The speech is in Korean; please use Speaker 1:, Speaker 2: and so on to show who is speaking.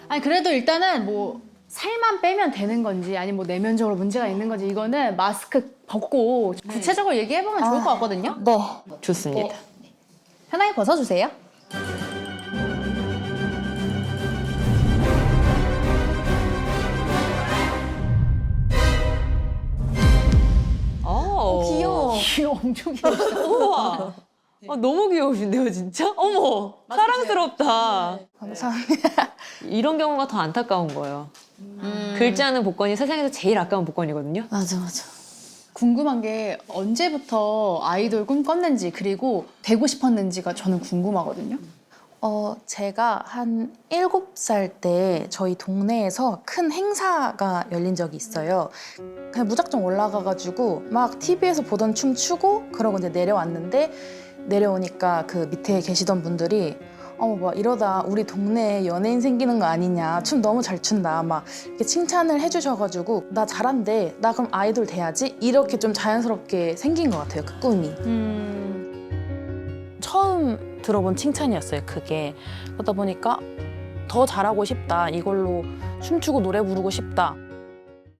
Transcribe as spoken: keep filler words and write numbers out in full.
Speaker 1: 아니 그래도 일단은 뭐 살만 빼면 되는 건지 아니면 뭐 내면적으로 문제가 있는 건지 이거는 마스크 벗고 구체적으로 얘기해보면 좋을 것 같거든요.
Speaker 2: 네.
Speaker 3: 좋습니다.
Speaker 1: 편하게 벗어주세요.
Speaker 3: 어,
Speaker 2: 귀여워.
Speaker 1: 귀여워, 엄청 귀여워.
Speaker 3: 우와. 아, 너무 귀여우신데요, 진짜? 어머, 사랑스럽다.
Speaker 2: 감사합니다.
Speaker 3: 이런 경우가 더 안타까운 거예요. 글자는 복권이 세상에서 제일 아까운 복권이거든요.
Speaker 2: 맞아, 맞아.
Speaker 1: 궁금한 게 언제부터 아이돌 꿈꿨는지 그리고 되고 싶었는지가 저는 궁금하거든요.
Speaker 2: 어, 제가 한 일곱 살 때 저희 동네에서 큰 행사가 열린 적이 있어요. 그냥 무작정 올라가가지고 막 티비에서 보던 춤 추고 그러고 이제 내려왔는데 내려오니까 그 밑에 계시던 분들이 어머 뭐 이러다 우리 동네에 연예인 생기는 거 아니냐, 춤 너무 잘 춘다 막 이렇게 칭찬을 해주셔가지고 나 잘한대, 나 그럼 아이돌 돼야지, 이렇게 좀 자연스럽게 생긴 것 같아요, 그 꿈이.
Speaker 1: 음...
Speaker 2: 처음 들어본 칭찬이었어요, 그게. 그러다 보니까 더 잘하고 싶다, 이걸로 춤추고 노래 부르고 싶다.